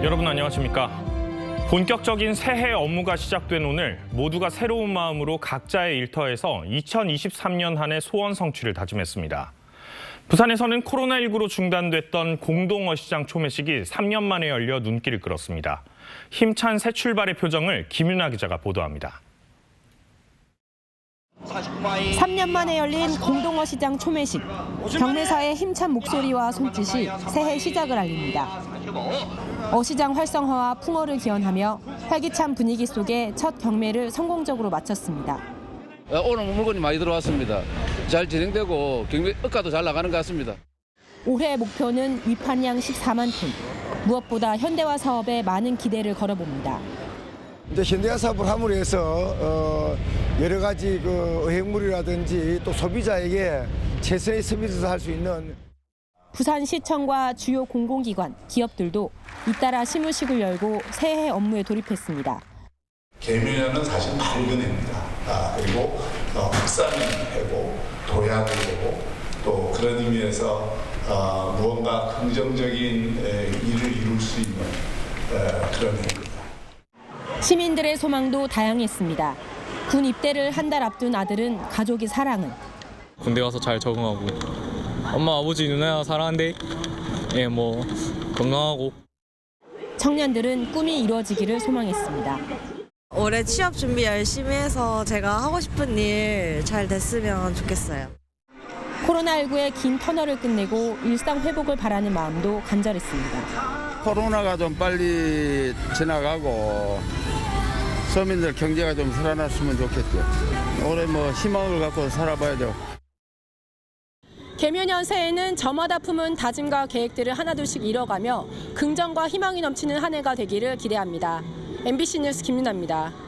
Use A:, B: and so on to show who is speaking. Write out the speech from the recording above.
A: 여러분 안녕하십니까? 본격적인 새해 업무가 시작된 오늘 모두가 새로운 마음으로 각자의 일터에서 2023년 한 해 소원 성취를 다짐했습니다. 부산에서는 코로나19로 중단됐던 공동어시장 초매식이 3년 만에 열려 눈길을 끌었습니다. 힘찬 새 출발의 표정을 김윤아 기자가 보도합니다.
B: 3년 만에 열린 공동어시장 초매식. 경매사의 힘찬 목소리와 손짓이 새해 시작을 알립니다. 어시장 활성화와 풍어를 기원하며 활기찬 분위기 속에 첫 경매를 성공적으로 마쳤습니다.
C: 오늘 물건이 많이 들어왔습니다. 잘 진행되고 경매 억가도 잘 나가는 것 같습니다.
B: 올해 목표는 위판량 14만 톤. 무엇보다 현대화 사업에 많은 기대를 걸어봅니다.
D: 이제 현대화 사업을 함으로 해서 여러 가지 어획물이라든지 또 소비자에게 최선의 서비스를 할 수 있는.
B: 부산시청과 주요 공공기관, 기업들도 잇따라 시무식을 열고 새해 업무에 돌입했습니다.
E: 개묘년은 사실 맑은 해입니다. 그리고 흑산이 해고, 도약을 해고, 또 그런 의미에서 무언가 긍정적인 일을 이룰 수 있는 그런 해입니다.
B: 시민들의 소망도 다양했습니다. 군 입대를 한 달 앞둔 아들은 가족의 사랑은.
F: 군대 가서 잘 적응하고 엄마 아버지 누나 사랑한대. 건강하고.
B: 청년들은 꿈이 이루어지기를 소망했습니다.
G: 올해 취업 준비 열심히 해서 제가 하고 싶은 일 잘 됐으면 좋겠어요.
B: 코로나19의 긴 터널을 끝내고 일상 회복을 바라는 마음도 간절했습니다.
H: 코로나가 좀 빨리 지나가고 서민들 경제가 좀 살아났으면 좋겠죠. 올해 희망을 갖고 살아봐야죠.
B: 개묘년 새해는 저마다 품은 다짐과 계획들을 하나둘씩 이뤄가며 긍정과 희망이 넘치는 한 해가 되기를 기대합니다. MBC 뉴스 김윤아입니다.